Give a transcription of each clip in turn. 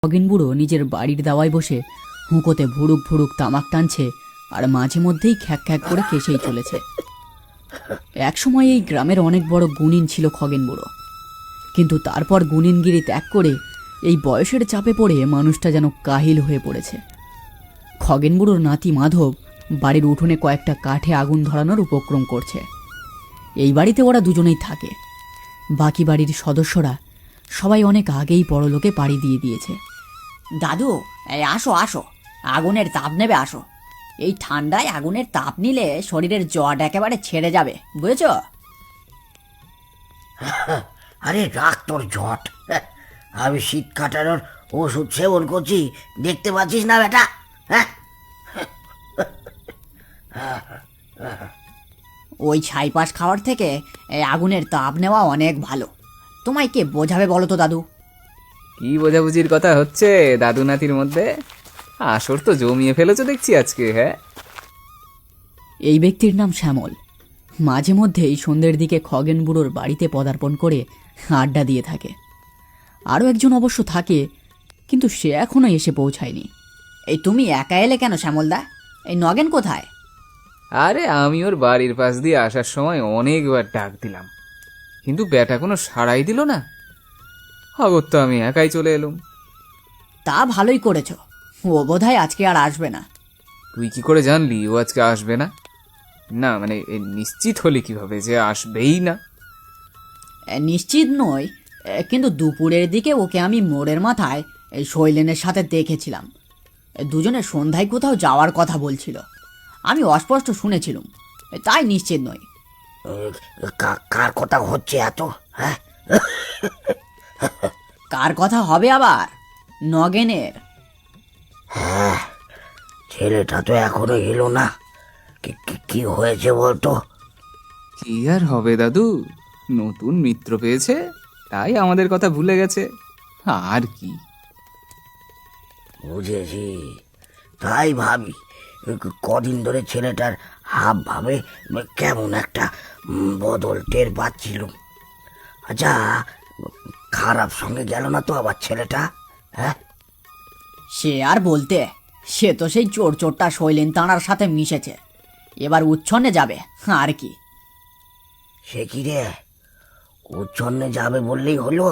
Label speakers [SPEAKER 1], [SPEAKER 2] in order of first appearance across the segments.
[SPEAKER 1] খগেন বুড়ো নিজের বাড়ির দাওয়ায় বসে হুঁকোতে ভুরুক ভুরুক তামাক টানছে আর মাঝে মধ্যেই খ্যাক খ্যাক করে কেসেই চলেছে। একসময় এই গ্রামের অনেক বড় গুণিন ছিল খগেন বুড়ো, কিন্তু তারপর গুণিনগিরি ত্যাগ করে এই বয়সের চাপে পড়ে মানুষটা যেন কাহিল হয়ে পড়েছে। খগেন বুড়োর নাতি মাধব বাড়ির উঠোনে কয়েকটা কাঠে আগুন ধরানোর উপক্রম করছে। এই বাড়িতে ওরা দুজনেই থাকে, বাকি বাড়ির সদস্যরা সবাই অনেক আগেই পরলোকে পাড়ি দিয়ে দিয়েছে।
[SPEAKER 2] দাদু, এই আসো আসো, আগুনের তাপ নেবে আসো। এই ঠান্ডায় আগুনের তাপ নিলে শরীরের জট একেবারে ছেড়ে যাবে, বুঝেছো?
[SPEAKER 3] আরে রাখ তোর জট, আমি শীত কাটানোর ওষুধ সেবন করছি, দেখতে পাচ্ছিস না বেটা? হ্যাঁ,
[SPEAKER 2] ওই ছাইপাশ খাওয়ার থেকে এই আগুনের তাপ নেওয়া অনেক ভালো। তোমায় কে বোঝাবে বলো তো দাদু?
[SPEAKER 4] কি বোঝাবুঝির কথা হচ্ছে দাদু নাতির মধ্যে? আসর তো জমিয়ে ফেলেছো দেখছি আজকে। হ্যাঁ,
[SPEAKER 1] এই ব্যক্তির নাম শ্যামল। মাঝে মধ্যেই সন্ধ্যের দিকে খগেন বুড়োর বাড়িতে পদার্পণ করে আড্ডা দিয়ে থাকে। আরও একজন অবশ্য থাকে, কিন্তু সে এখনো এসে পৌঁছায়নি।
[SPEAKER 2] এই তুমি একা এলে কেন শ্যামলদা? এই নগেন কোথায়?
[SPEAKER 4] আরে আমি ওর বাড়ির পাশ দিয়ে আসার সময় অনেকবার ডাক দিলাম, কিন্তু ব্যাটা কোনো সাড়াই দিল না। আগর তো আমি একাই চলে এলুম।
[SPEAKER 2] তা ভালোই করেছো, ও বোধহয় আজকে আর আসবে না।
[SPEAKER 4] তুই কি করে জানলি ও আজকে আসবে না? না মানে নিশ্চিত হলি কিভাবে যে আসবেই না?
[SPEAKER 2] নিশ্চিত নই, কিন্তু দুপুরের দিকে ওকে আমি মোড়ের মাথায় এই শৈলেনের সাথে দেখেছিলাম। দুজনে সন্ধ্যায় কোথাও যাওয়ার কথা বলছিল, আমি অস্পষ্ট শুনেছিলাম, তাই নিশ্চিত নই।
[SPEAKER 3] কার কথা হচ্ছে এত? হ্যাঁ,
[SPEAKER 2] কার কথা হবে আবার? নগেনের।
[SPEAKER 3] হ্যাঁ, ছেলেটা তো এখনো এলো না। কি হয়েছে বলতো?
[SPEAKER 4] কি আর হবে দাদু, নতুন মিত্র পেয়েছে, তাই আমাদের কথা ভুলে গেছে, আর কি।
[SPEAKER 3] বুঝেছি, তাই ভাবি কদিন ধরে ছেলেটার হাব ভাবে কেমন একটা বদল টের পাচ্ছিল। আচ্ছা, খারাপ সঙ্গে গেল না তো আবার ছেলেটা? হ্যাঁ,
[SPEAKER 2] সে আর বলতে, সে তো সেই চোরটা শৈলেন তাঁর সাথে মিশেছে, এবার উচ্ছন্নে যাবে আর কি।
[SPEAKER 3] সে কি রে, উচ্ছন্নে যাবে বললেই হলো?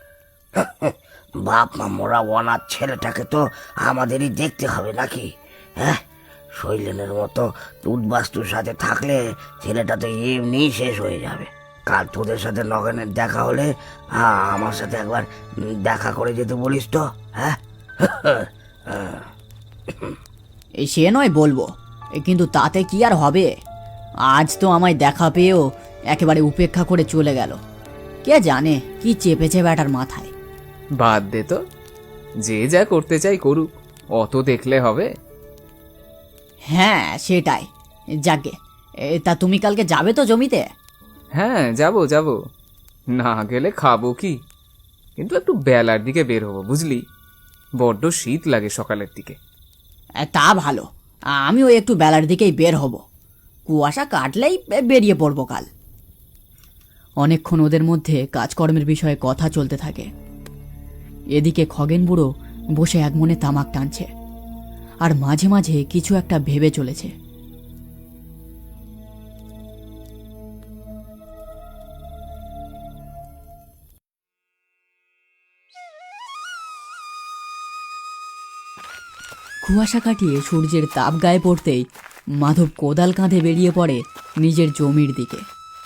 [SPEAKER 3] বাপ মা মোরা অনাথ ছেলেটাকে তো আমাদেরই দেখতে হবে নাকি? হ্যাঁ, শৈলেনের মতো উদ্বাস্তুর সাথে থাকলে ছেলেটা তো এমনিই শেষ হয়ে যাবে। কাল তোদের সাথে নগেনের দেখা হলে আমার সাথে একবার দেখা করে যেতে বলিস তো। হ্যাঁ,
[SPEAKER 2] এই সে নয় বলবো, কিন্তু তাতে কি আর হবে? আজ তো আমায় দেখা পেয়েও একেবারে উপেক্ষা করে চলে গেল। কে জানে কি চেপেছে ব্যাটার মাথায়।
[SPEAKER 4] বাদ দে তো, যে যা করতে চাই করুক, অত দেখলে হবে?
[SPEAKER 2] হ্যাঁ সেটাই। যাকে, তা তুমি কালকে যাবে তো জমিতে?
[SPEAKER 4] হ্যাঁ যাব যাব, না গেলে খাবো কি? কিন্তু একটু বেলার দিকে বের হবো বুঝলি, বড্ড শীত লাগে সকালের দিকে।
[SPEAKER 2] তা ভালো, আমিও একটু বেলার দিকেই বের হব, কুয়াশা কাটলেই বেরিয়ে পড়বো কাল।
[SPEAKER 1] অনেকক্ষণ ওদের মধ্যে কাজকর্মের বিষয়ে কথা চলতে থাকে। এদিকে খগেন বুড়ো বসে একমনে তামাক টানছে আর মাঝে মাঝে কিছু একটা ভেবে চলেছে। কুয়াশা কাটিয়ে সূর্যের তাপ গায়ে পড়তেই মাধব কোদাল কাঁধে বেরিয়ে পড়ে নিজের জমির দিকে।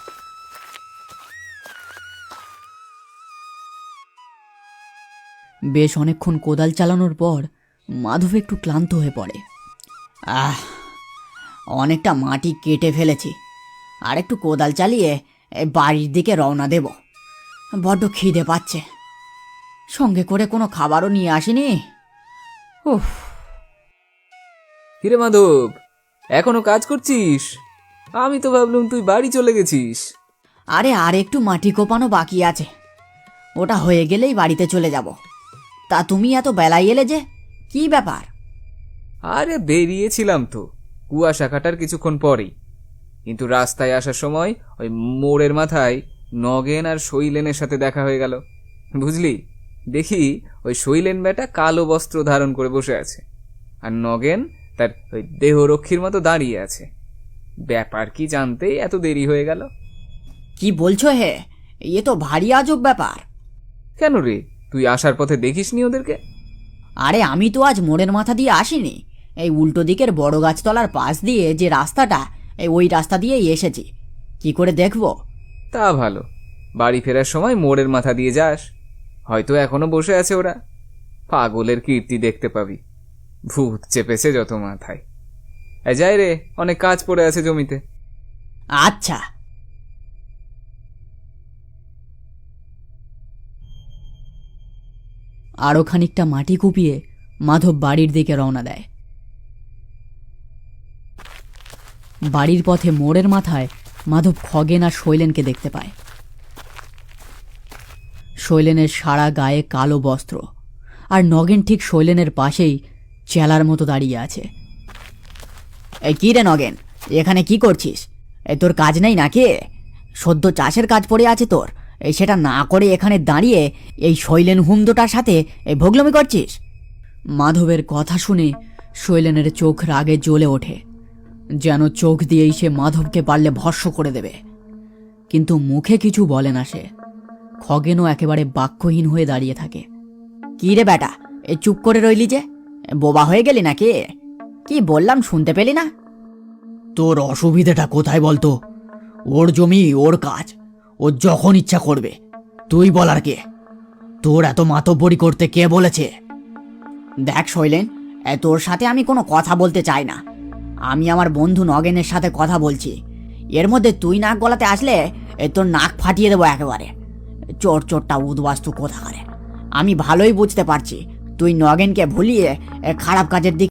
[SPEAKER 1] বেশ অনেকক্ষণ কোদাল চালানোর পর মাধব একটু ক্লান্ত হয়ে পড়ে।
[SPEAKER 2] অনেকটা মাটি কেটে ফেলেছি, আর একটু কোদাল চালিয়ে বাড়ির দিকে রওনা দেব। বড্ড খিদে পাচ্ছে, সঙ্গে করে কোনো খাবারও নিয়ে আসিনি। উফ।
[SPEAKER 4] কিরে মাধব, এখনো কাজ করছিস? আমি তো ভাবলাম তুই বাড়ি চলে গেছিস।
[SPEAKER 2] আরে আর একটু মাটি কোপানো বাকি আছে, ওটা হয়ে গেলেই বাড়িতে চলে যাব। তা তুমি এত বেলায় এলে যে, কি ব্যাপার?
[SPEAKER 4] আরে বেরিয়েছিলাম তো কুয়াশা কাটার কিছুক্ষণ পরেই, কিন্তু রাস্তায় আসার সময় ওই মোড়ের মাথায় নগেন আর শৈলেনের সাথে দেখা হয়ে গেল বুঝলি। দেখি ওই শৈলেন বেটা কালো বস্ত্র ধারণ করে বসে আছে, আর নগেন তার ওই দেহরক্ষীর মতো দাঁড়িয়ে আছে। ব্যাপার কি জানতেই এত দেরি হয়ে গেল।
[SPEAKER 2] কি বলছো হে, এ তো ভারী আজব ব্যাপার।
[SPEAKER 4] কেন রে, তুই আসার পথে দেখিসনি ওদেরকে?
[SPEAKER 2] আরে আমি তো আজ মোড়ের মাথা দিয়ে আসিনি, এই উল্টো দিকের বড় গাছতলার পাশ দিয়ে যে রাস্তাটা, ওই রাস্তা দিয়েই এসেছি। কি করে দেখবো?
[SPEAKER 4] তা ভালো, বাড়ি ফেরার সময় মোড়ের মাথা দিয়ে যাস, হয়তো এখনো বসে আছে ওরা। পাগলের কীর্তি দেখতে পাবি, ভূত চেপেছে যত মাথায়। যাই রে, অনেক কাজ পড়ে আছে জমিতে।
[SPEAKER 2] আচ্ছা।
[SPEAKER 1] আরও খানিকটা মাটি কুপিয়ে মাধব বাড়ির দিকে রওনা দেয়। বাড়ির পথে মোড়ের মাথায় মাধব খগেন আর শৈলেনকে দেখতে পায়। শৈলেনের সারা গায়ে কালো বস্ত্র, আর নগেন ঠিক শৈলেনের পাশেই চেলার মতো দাঁড়িয়ে আছে।
[SPEAKER 2] এই কি রে নগেন, এখানে কি করছিস? তোর কাজ নেই নাকি? সদ্য চাষের কাজ পড়ে আছে তোর, সেটা না করে এখানে দাঁড়িয়ে এই শৈলেন হুমদোটার সাথে ভোগলমি করছিস?
[SPEAKER 1] মাধবের কথা শুনে শৈলেনের চোখ রাগে জ্বলে ওঠে, যেন চোখ দিয়েই সে মাধবকে পারলে ভস্ম করে দেবে। কিন্তু মুখে কিছু বলে না সে। খগেনও একেবারে বাক্যহীন হয়ে দাঁড়িয়ে থাকে।
[SPEAKER 2] কি রে বেটা, চুপ করে রইলি যে? বোবা হয়ে গেলি নাকি? কি বললাম শুনতে পেলি না?
[SPEAKER 1] তোর অসুবিধাটা কোথায় বলতো? ওর জমি, ওর কাজ, ও যখন ইচ্ছা করবে। তুই বলার কে? তোর এত মাতব্বরি করতে কে বলেছে?
[SPEAKER 2] দেখ শৈলেন, তোর সাথে আমি কোনো কথা বলতে চাই না। আমি আমার বন্ধু নগেনের সাথে কথা বলছি। এর মধ্যে তুই নাক গলাতে আসলে তোর নাক ফাটিয়ে দেবো একেবারে। চোর চোরটা উদ্বাস্তু কোথাকারে। আমি ভালোই বুঝতে পারছি তুই নগেনকে ভুলিয়ে খারাপ কাজের দিকে